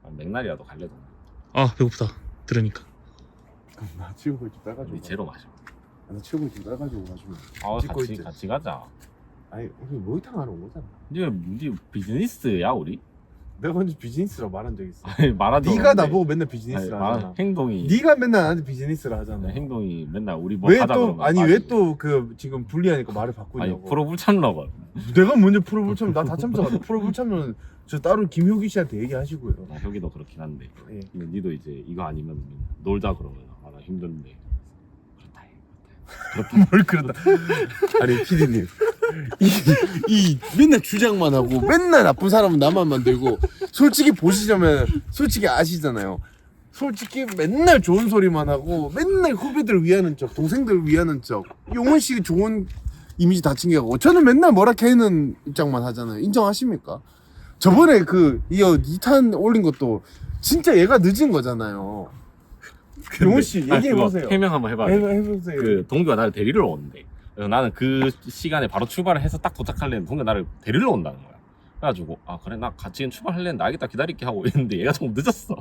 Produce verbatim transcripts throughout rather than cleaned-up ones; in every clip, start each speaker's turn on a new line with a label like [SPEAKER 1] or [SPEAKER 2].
[SPEAKER 1] 맥날이라도 갈래도.
[SPEAKER 2] 아 배고프다 들으니까.
[SPEAKER 3] 나 치우고 좀 따가지고.
[SPEAKER 1] 니 제로 마셔.
[SPEAKER 3] 나 치우고 좀 따가지고 가지고.
[SPEAKER 1] 아
[SPEAKER 3] 찍고
[SPEAKER 1] 같이
[SPEAKER 3] 있지.
[SPEAKER 1] 같이 가자.
[SPEAKER 3] 아니 우리 모이탕 하러 온 거잖아.
[SPEAKER 1] 니, 니 비즈니스야 우리?
[SPEAKER 3] 내가 먼저 비즈니스라고 말한 적 있어.
[SPEAKER 1] 아니 말하지.
[SPEAKER 3] 네가 나보고 맨날 비즈니스라
[SPEAKER 1] 말
[SPEAKER 3] 하잖아.
[SPEAKER 1] 행동이.
[SPEAKER 3] 네가 맨날 나한테 비즈니스라 하잖아.
[SPEAKER 1] 행동이 맨날 우리 뭐
[SPEAKER 3] 왜
[SPEAKER 1] 하자
[SPEAKER 3] 또
[SPEAKER 1] 그러면
[SPEAKER 3] 아니
[SPEAKER 1] 빠지고.
[SPEAKER 3] 왜 또 그 지금 불리하니까 말을 바꾸냐고.
[SPEAKER 1] 아니 프로 불참러가.
[SPEAKER 3] 내가 먼저 프로 불참 나 다 참석하다. 프로 불참은 저 따로 김효기 씨한테 얘기하시고요.
[SPEAKER 1] 나 혁이도 그렇긴 한데.
[SPEAKER 3] 예.
[SPEAKER 1] 근데 니도 이제 이거 아니면 놀자 그러면 아 나 힘든데. 그렇다 해. 그렇다.
[SPEAKER 3] 뭘 그런다. 아니 피디님 이, 이 맨날 주장만 하고 맨날 나쁜 사람은 나만 만들고 솔직히 보시자면 솔직히 아시잖아요. 솔직히 맨날 좋은 소리만 하고 맨날 후배들 위하는 척 동생들 위하는 척 용원 씨 좋은 이미지 다친 게 하고 저는 맨날 뭐라 캐는 입장만 하잖아요. 인정하십니까? 저번에 그 이어 이 탄 올린 것도 진짜 얘가 늦은 거잖아요. 용원 씨 얘기해 보세요.
[SPEAKER 1] 해명 한번 해봐.
[SPEAKER 3] 해보세요.
[SPEAKER 1] 그 동규가 나를 데리러 온대. 그래서 나는 그 시간에 바로 출발을 해서 딱 도착하려는 동규가 나를 데리러 온다는 거야. 그래가지고 아 그래 나 같이 출발하려는데 알겠다 기다릴게 하고 있는데 얘가 조금 늦었어.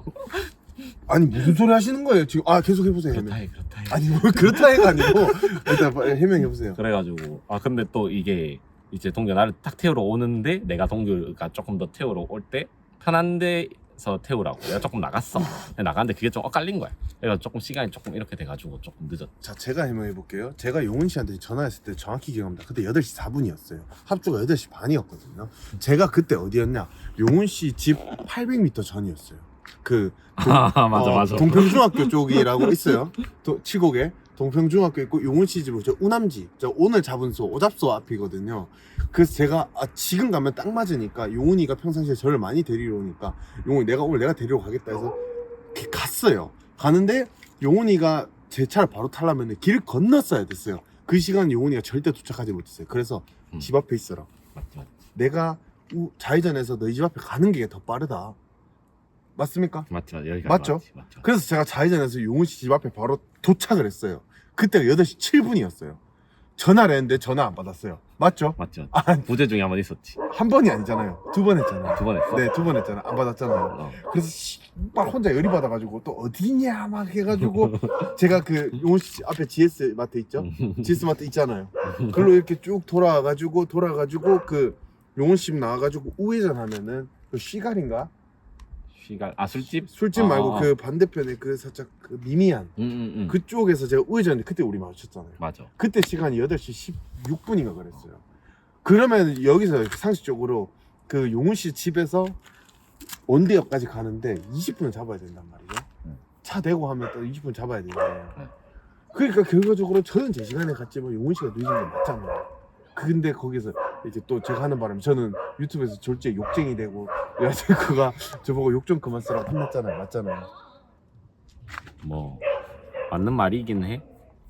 [SPEAKER 3] 아니 무슨 소리 하시는 거예요 지금? 아 계속 해보세요.
[SPEAKER 1] 그렇다
[SPEAKER 3] 해명.
[SPEAKER 1] 해 그렇다 해.
[SPEAKER 3] 아니 뭘 그렇다 해가 아니고 일단 빨리 해명해 보세요.
[SPEAKER 1] 그래가지고 아 근데 또 이게 이제 동규가 나를 딱 태우러 오는데 내가 동규가 조금 더 태우러 올 때 편한 데서 태우라고 내가 조금 나갔어. 나갔는데 그게 좀 엇갈린 거야. 그래서 조금 시간이 조금 이렇게 돼가지고 조금 늦었.
[SPEAKER 3] 자 제가 해명해 볼게요. 제가 용훈 씨한테 전화했을 때 정확히 기억합니다. 그때 여덟 시 사 분이었어요. 합주가 여덟 시 반이었거든요. 제가 그때 어디였냐? 용훈 씨 집 팔백 미터 전이었어요. 그 동,
[SPEAKER 1] 아 맞아
[SPEAKER 3] 어,
[SPEAKER 1] 맞아.
[SPEAKER 3] 동평중학교 쪽이라고 있어요. 도, 칠곡에 동평중학교 있고 용훈 씨 집은 저 우남지 저 오늘 잡은 소 오잡소 앞이거든요. 그래서 제가 아, 지금 가면 딱 맞으니까 용훈이가 평상시에 저를 많이 데리러 오니까 용훈이 내가 오늘 내가 데리러 가겠다 해서 이렇게 갔어요. 가는데 용훈이가 제 차를 바로 타려면 길을 건넜어야 됐어요. 그 시간 용훈이가 절대 도착하지 못했어요. 그래서
[SPEAKER 1] 음.
[SPEAKER 3] 집 앞에 있어라.
[SPEAKER 1] 맞지 맞지.
[SPEAKER 3] 내가 우, 좌회전해서 너희 집 앞에 가는 게 더 빠르다. 맞습니까?
[SPEAKER 1] 맞지 맞지. 여기가
[SPEAKER 3] 맞죠?
[SPEAKER 1] 맞지, 맞지.
[SPEAKER 3] 그래서 제가 좌회전해서 용훈 씨 집 앞에 바로 도착을 했어요. 그때가 여덟 시 칠 분이었어요. 전화를 했는데 전화 안 받았어요. 맞죠?
[SPEAKER 1] 맞지 맞지.
[SPEAKER 3] 아,
[SPEAKER 1] 부재 중에 한 번 있었지.
[SPEAKER 3] 한 번이 아니잖아요. 두 번 했잖아요.
[SPEAKER 1] 두 번 했어.
[SPEAKER 3] 네, 두 번 했잖아요. 안 받았잖아요.
[SPEAKER 1] 어.
[SPEAKER 3] 그래서 씨, 막 혼자 열이 받아가지고 또 어디냐 막 해가지고 제가 그 용훈 씨 앞에 지에스 마트 있죠? 지에스 마트 있잖아요. 그걸로 이렇게 쭉 돌아가지고 돌아가지고 그 용훈 씨 나와가지고 우회전 하면은 그 시갈인가?
[SPEAKER 1] 시간 아 술집?
[SPEAKER 3] 술집
[SPEAKER 1] 아,
[SPEAKER 3] 말고
[SPEAKER 1] 아, 아.
[SPEAKER 3] 그 반대편에 그 살짝 그 미미한
[SPEAKER 1] 응응응. 응.
[SPEAKER 3] 그쪽에서 제가 우회전했는데 그때 우리 마주쳤잖아요.
[SPEAKER 1] 맞아.
[SPEAKER 3] 그때 시간이 여덟 시 십육 분인가 그랬어요. 그러면 여기서 상식적으로 그 용훈 씨 집에서 원대역까지 가는데 이십 분을 잡아야 된단 말이죠.
[SPEAKER 1] 응.
[SPEAKER 3] 차 대고 하면 또 이십 분 잡아야 되잖아요.
[SPEAKER 1] 응.
[SPEAKER 3] 그러니까 결과적으로 저는 제 시간에 갔지만 용훈 씨가 늦은 게 맞잖아요. 근데 거기서 이제 또 제가 하는 바람에 저는 유튜브에서 졸지에 욕쟁이 되고 여자친구가 저보고 욕 좀 그만 쓰라고 혼났잖아요. 맞잖아요.
[SPEAKER 1] 뭐 맞는 말이긴 해.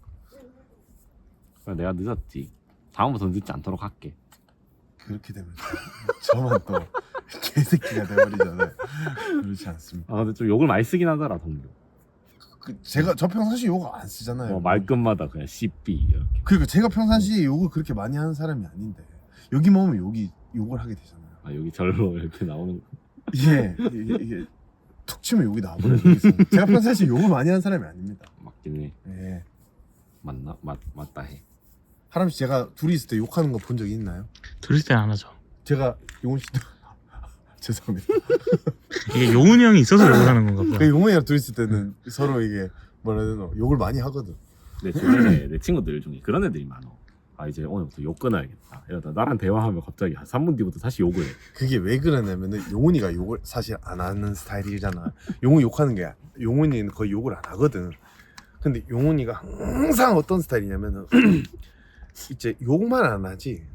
[SPEAKER 1] 그래, 내가 늦었지. 다음부터 늦지 않도록 할게.
[SPEAKER 3] 그렇게 되면 저만 또 개새끼가 돼버리잖아요. 그렇지 않습니다.
[SPEAKER 1] 아 근데 좀 욕을 많이 쓰긴 하더라 동료.
[SPEAKER 3] 그 제가 저 평상시 욕을 안 쓰잖아요.
[SPEAKER 1] 뭐 말끝마다 그냥 씨삐 이렇게.
[SPEAKER 3] 그러니까 제가 평상시에 욕을 그렇게 많이 하는 사람이 아닌데 여기 오면 욕이 욕을 하게 되잖아요.
[SPEAKER 1] 아 여기 절로 이렇게 나오는 거.
[SPEAKER 3] 이게 이게, 이게 툭 치면 욕이 나와버려요. 제가 평상시에 욕을 많이 하는 사람이 아닙니다.
[SPEAKER 1] 맞긴 해.
[SPEAKER 3] 예.
[SPEAKER 1] 맞나? 맞 맞다 해.
[SPEAKER 3] 하람 씨 제가 둘이 있을 때 욕하는 거 본 적이 있나요?
[SPEAKER 2] 둘이 때는 안 하죠.
[SPEAKER 3] 제가 용훈 씨도 죄송합니다.
[SPEAKER 2] 이게 용훈이 형이 있어서 욕을 하는 건가
[SPEAKER 3] 그
[SPEAKER 2] 보다.
[SPEAKER 3] 용훈이랑 둘이 있을 때는 서로 이게 뭐라 해야 되나 욕을 많이 하거든.
[SPEAKER 1] 내 주변에 내 친구들 중에 그런 애들이 많어. 아 이제 오늘부터 욕 끊어야겠다. 이러다 나랑 대화하면 갑자기 한 삼 분 뒤부터 다시 욕을 해.
[SPEAKER 3] 그게 왜 그러냐면은 용훈이가 욕을 사실 안 하는 스타일이잖아. 용훈이 욕하는 게 용훈이는 거의 욕을 안 하거든. 근데 용훈이가 항상 어떤 스타일이냐면은 이제 욕만 안 하지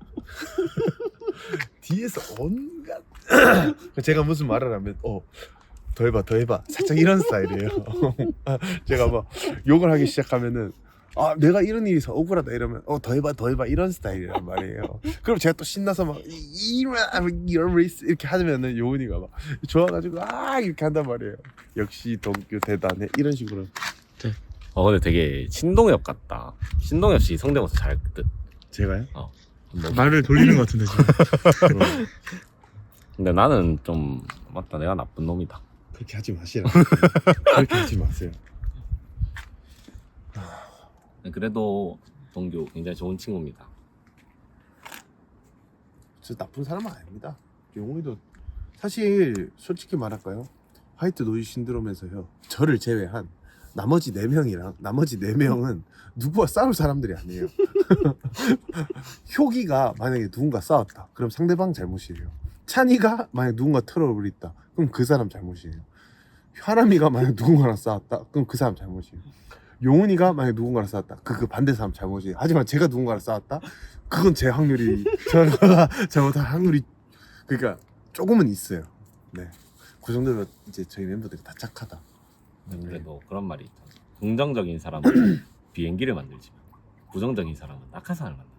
[SPEAKER 3] 뒤에서 온갖 제가 무슨 말을 하면 어 더 해봐 더 해봐 살짝 이런 스타일이에요. 제가 막 욕을 하기 시작하면은 아 내가 이런 일이 있어 억울하다 이러면 어 더 해봐 더 해봐 이런 스타일이란 말이에요. 그럼 제가 또 신나서 막 이런 이런 레이스 이렇게 하면은 요은이가 막 좋아가지고 아 이렇게 한단 말이에요. 역시 동규 대단해 이런 식으로.
[SPEAKER 1] 어 근데 되게 신동엽 같다. 신동엽 씨 성대모사 잘 듯.
[SPEAKER 3] 제가요?
[SPEAKER 1] 어. 뭐,
[SPEAKER 2] 말을 돌리는 것 같은데 지금.
[SPEAKER 1] 근데 나는 좀 맞다. 내가 나쁜 놈이다.
[SPEAKER 3] 그렇게 하지 마시라. 그렇게 하지 마세요.
[SPEAKER 1] 그래도 동규 굉장히 좋은 친구입니다.
[SPEAKER 3] 저 나쁜 사람은 아닙니다. 용우이도 사실 솔직히 말할까요? 화이트 노이즈 신드롬에서요. 저를 제외한 나머지 네 명이랑 나머지 네 명은 누구와 싸울 사람들이 아니에요. 효기가 만약에 누군가 싸웠다. 그럼 상대방 잘못이에요. 찬이가 만약 누군가 트러블이 있다. 그럼 그 사람 잘못이에요. 하람이가 만약 누군가랑 싸웠다. 그럼 그 사람 잘못이에요. 용훈이가 만약 누군가랑 싸웠다. 그, 그 반대 사람 잘못이에요. 하지만 제가 누군가랑 싸웠다. 그건 제 확률이 제가 잘못할 확률이 그러니까 조금은 있어요. 네, 그 정도면 이제 저희 멤버들이 다 착하다.
[SPEAKER 1] 그래도 그런 말이 있다. 긍정적인 사람은 비행기를 만들지만 부정적인 사람은 낙하산을 만든다.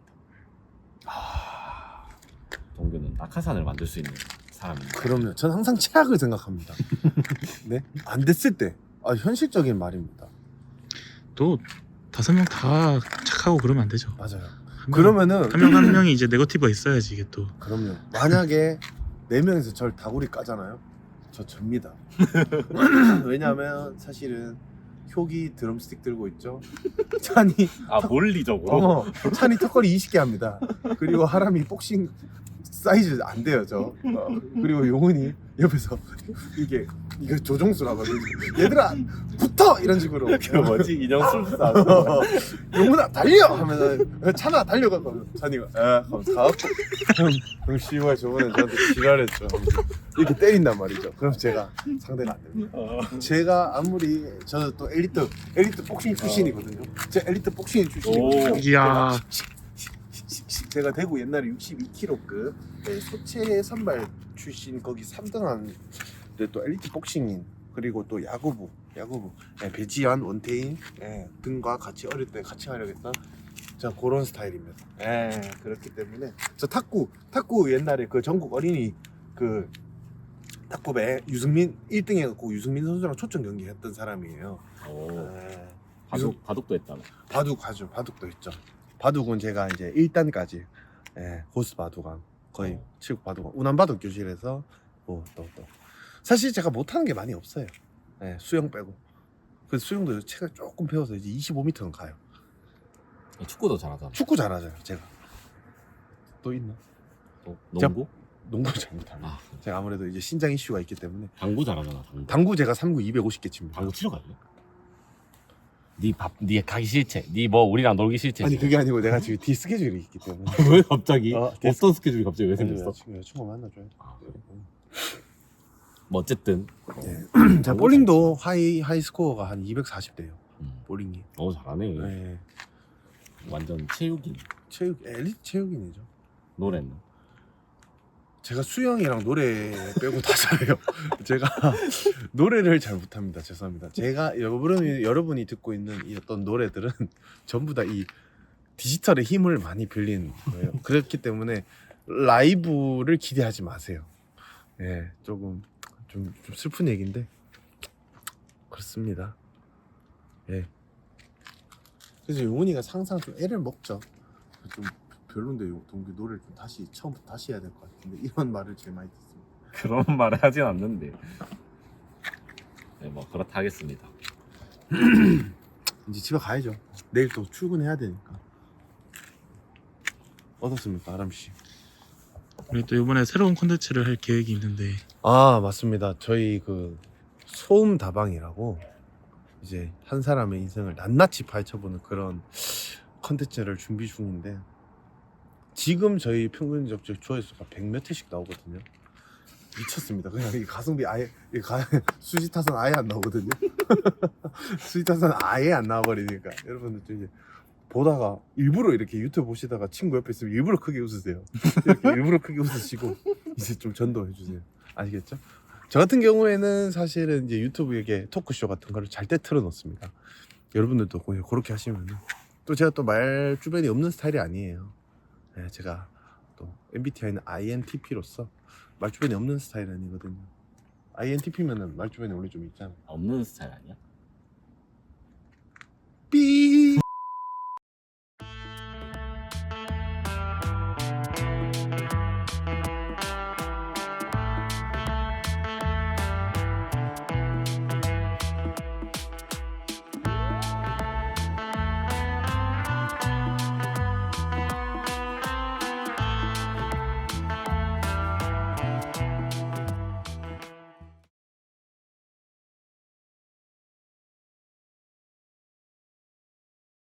[SPEAKER 3] 아,
[SPEAKER 1] 동규는 낙하산을 만들 수 있는 사람입니다.
[SPEAKER 3] 그러면 전 항상 최악을 생각합니다. 네, 안 됐을 때 아, 현실적인 말입니다.
[SPEAKER 2] 또 다섯 명 다 착하고 그러면 안 되죠.
[SPEAKER 3] 맞아요.
[SPEAKER 2] 한 명-
[SPEAKER 3] 그러면은
[SPEAKER 2] 한 명 한 명이 이제 네거티브가 있어야지 이게 또.
[SPEAKER 3] 그럼요. 만약에 네 명에서 절 다구리 까잖아요. 저 접니다. 왜냐하면 사실은 효기 드럼스틱 들고 있죠. 찬이
[SPEAKER 1] 아 논리적으로?
[SPEAKER 3] 어, 찬이 턱걸이 이십 개 합니다. 그리고 하람이 복싱 사이즈 안 돼요 저. 어, 그리고 용훈이 옆에서 이게 이거 조종수라고 얘들아 붙어 이런 식으로.
[SPEAKER 1] 그 뭐지 인형술사.
[SPEAKER 3] 어, 용훈아 달려 하면은 찬아 달려가고 찬이가 에 하면서 가갖고 형 씨발 저번에 저한테 지랄했죠. 이렇게 때린단 말이죠. 그럼 제가 상대가 안 됩니다. 제가 아무리 저는 또 엘리트 엘리트 복싱 출신이거든요. 제 엘리트 복싱 출신이거든요.
[SPEAKER 1] 오.
[SPEAKER 2] 이야.
[SPEAKER 3] 제가 대구 옛날에 육십이 킬로급 네, 소체 선발 출신 거기 삼 등한 네, 또 엘리트 복싱인 그리고 또 야구부 야구부 네, 배지현 원태인 네, 등과 같이 어릴 때 같이 하려겠다. 저 그런 스타일입니다. 네, 그렇기 때문에 저 탁구 탁구 옛날에 그 전국 어린이 그 탁구배 유승민 일 등 해갖고 유승민 선수랑 초청 경기 했던 사람이에요.
[SPEAKER 1] 오.
[SPEAKER 3] 네.
[SPEAKER 1] 바둑 바둑도 했잖아.
[SPEAKER 3] 바둑 하죠. 바둑도 있죠. 바둑은 제가 이제 일 단까지 예, 호스 바둑왕 거의
[SPEAKER 1] 어.
[SPEAKER 3] 칠국 바둑왕 운암 바둑 교실에서 뭐 또 또 사실 제가 못하는 게 많이 없어요. 예, 수영 빼고 그 수영도 제가 조금 배워서 이제 이십오 미터는 가요.
[SPEAKER 1] 축구도 잘하잖아.
[SPEAKER 3] 축구 잘하죠 제가. 또 있나?
[SPEAKER 1] 또 농구?
[SPEAKER 3] 농구 잘 못합니다.
[SPEAKER 1] 아
[SPEAKER 3] 제가 아무래도 이제 신장 이슈가 있기 때문에
[SPEAKER 1] 당구 잘하잖아. 당구.
[SPEAKER 3] 당구 제가 삼 구 이백오십 개 칩니다.
[SPEAKER 1] 당구 치러 갈래? 네밥네 가기 싫지? 네 뭐 우리랑 놀기 싫지?
[SPEAKER 3] 아니 그게 아니고 내가 지금 뒤 스케줄이 있기 때문에
[SPEAKER 1] 왜 갑자기?
[SPEAKER 3] 어,
[SPEAKER 1] 어떤 스케줄이 갑자기 왜 생겼어?
[SPEAKER 3] 여자친구, 여자친구 만나줘야 돼.
[SPEAKER 1] 아, 그래? 뭐 어쨌든
[SPEAKER 3] 네. 자 볼링도 하이 하이 스코어가 한 이백사십 대요.
[SPEAKER 1] 음.
[SPEAKER 3] 볼링이.
[SPEAKER 1] 어 잘하네.
[SPEAKER 3] 네.
[SPEAKER 1] 완전 체육인.
[SPEAKER 3] 체육 엘리트 체육인이죠.
[SPEAKER 1] 노래는
[SPEAKER 3] 제가 수영이랑 노래 빼고 다 잘해요. 제가 노래를 잘 못합니다. 죄송합니다. 제가 여러분이 여러분이 듣고 있는 이 어떤 노래들은 전부 다 이 디지털의 힘을 많이 빌린 거예요. 그렇기 때문에 라이브를 기대하지 마세요. 예, 조금 좀, 좀 슬픈 얘기인데 그렇습니다. 예. 그래서 용훈이가 항상 좀 애를 먹죠. 좀 별론데 요 동규 노래를 좀 다시 처음부터 다시 해야 될 것 같은데 이런 말을 제일 많이 듣습니다.
[SPEAKER 1] 그런 말을 하진 않는데. 네, 뭐 그렇다 하겠습니다.
[SPEAKER 3] 이제 집에 가야죠. 내일 또 출근해야 되니까. 어떻습니까, 아람 씨?
[SPEAKER 2] 우리 또 이번에 새로운 콘텐츠를 할 계획이 있는데
[SPEAKER 3] 아 맞습니다. 저희 그 소음 다방이라고 이제 한 사람의 인생을 낱낱이 파헤쳐보는 그런 컨텐츠를 준비 중인데 지금 저희 평균 접촉 조회수가 백 몇 회씩 나오거든요. 미쳤습니다. 그냥 이 가성비 아예 이 가, 수지 타선 아예 안 나오거든요. 수지 타선 아예 안 나와버리니까 여러분들 좀 이제 보다가 일부러 이렇게 유튜브 보시다가 친구 옆에 있으면 일부러 크게 웃으세요. 이렇게 일부러 크게 웃으시고 이제 좀 전도해 주세요. 아시겠죠? 저 같은 경우에는 사실은 이제 유튜브 이게 토크쇼 같은 거를 잘 때 틀어놓습니다. 여러분들도 그냥 그렇게 하시면 또 제가 또 말 주변이 없는 스타일이 아니에요. 네, 제가 또 엠비티아이는 아이엔티피로서 말 주변이 없는 스타일은 아니거든요. 아이엔티피면은 말 주변이 원래 좀 있잖아.
[SPEAKER 1] 없는 스타일 아니야?